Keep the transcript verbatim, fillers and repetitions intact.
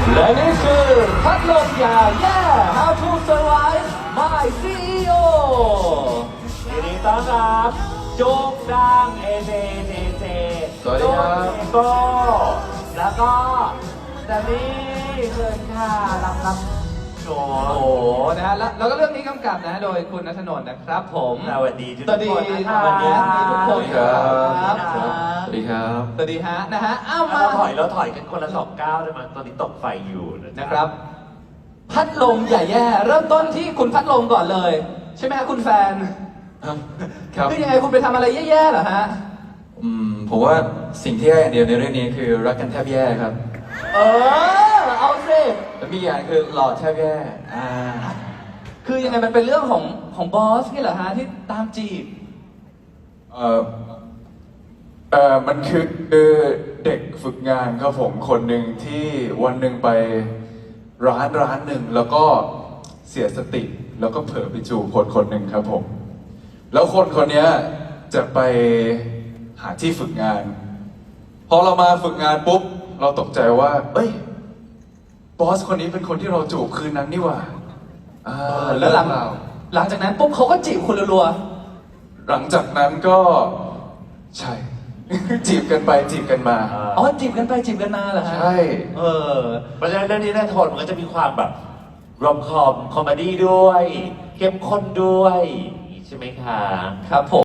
และนี่คือพัดลมยาแย่ How to Survive My ซี อี โอยินดีต้อนรับจุกดังเอเจเจเจสวัสดีครับโก้แล้วก็แซมมี่เชิญค่ะรับรับโชโอ้ว์โหนะฮะแล้วแล้วก็เรื่องนี้กำกับนะโดยคุณณัฐนนท์นะครับผมสวัสดีทุกสวัสดีคนนะสคะวัสดีทุกคนครับครับสวัสดีครับสวัสดีฮะนะฮะอ้าวมาเราถอยเราถอยกันคนละสองก้าวได้ไหมตอนนี้ตกไฟอยู่นะจ๊นะครับ พัดลมอย่าแย่ เริ่มต้นที่คุณพัดลมก่อนเลย ใช่ไหมฮะคุณแฟนครับคือยังไงคุณไปทำอะไรแย่ๆเหรอฮะอืมผมว่าสิ่งที่แย่อย่างเดียวในเรื่องนี้คือรักกันแทบแย่ครับเออเอาสิแล้วมีอย่างคือหล่อแทบแย่อ่าคือยังไงมันเป็นเรื่องของของบอสนี่เหรอฮะที่ตามจีบเออเออมันคือเด็กฝึกงานครับผมคนหนึ่งที่วันหนึ่งไปร้านร้านหนึ่งแล้วก็เสียสติ แล้วก็เผลอไปจูบคนคนหนึ่งครับผม แล้วคนคนเนี้ยจะไปหาที่ฝึกงาน พอเรามาฝึกงานปุ๊บ เราตกใจว่า เอ้ย บอสคนนี้เป็นคนที่เราจูบคืนนั้นนี่หว่าอ่าแล้วหลังเรื่องราวหลังจากนั้นปุ๊บเขาก็จีบคุณรัวหลังจากนั้นก็ใช่ จีบกันไปจีบกันมาๆอ๋อจีบกันไปจีบกันมาเหรอฮะใช่เออเพราะฉะนั้นเรื่องนี้แน่ทนมันก็จะมีความแบบรอมคอมคอมเมดี้ด้วย เข้มข้นด้วย ใช่ไหมคะครับผม